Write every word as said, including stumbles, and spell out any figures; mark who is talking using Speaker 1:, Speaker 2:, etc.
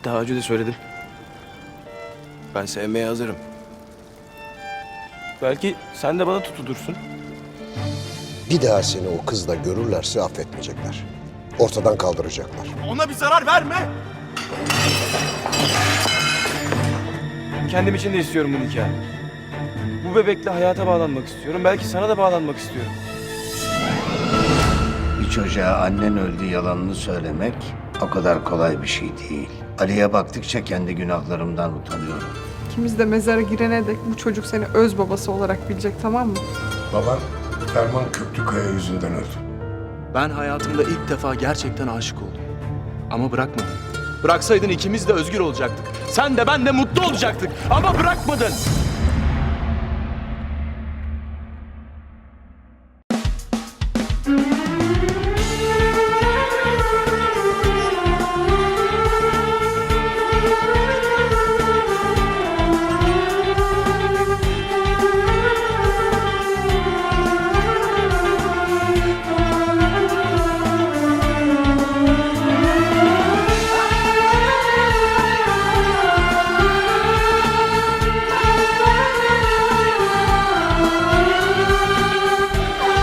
Speaker 1: Daha önce de söyledim. Ben sevmeye hazırım. Belki sen de bana tutulursun.
Speaker 2: Bir daha seni o kızla görürlerse affetmeyecekler. Ortadan kaldıracaklar.
Speaker 1: Ona bir zarar verme! Kendim için de istiyorum bu nikahı. Bu bebekle hayata bağlanmak istiyorum. Belki sana da bağlanmak istiyorum.
Speaker 3: Bir çocuğa annen öldü yalanını söylemek o kadar kolay bir şey değil. Ali'ye baktıkça kendi günahlarımdan utanıyorum.
Speaker 4: İkimiz de mezara girene dek bu çocuk seni öz babası olarak bilecek, tamam mı?
Speaker 5: Baban Ferman Köklükaya yüzünden öldü.
Speaker 1: Ben hayatımda ilk defa gerçekten aşık oldum. Ama bırakmadın. Bıraksaydın ikimiz de özgür olacaktık. Sen de ben de mutlu olacaktık. Ama bırakmadın.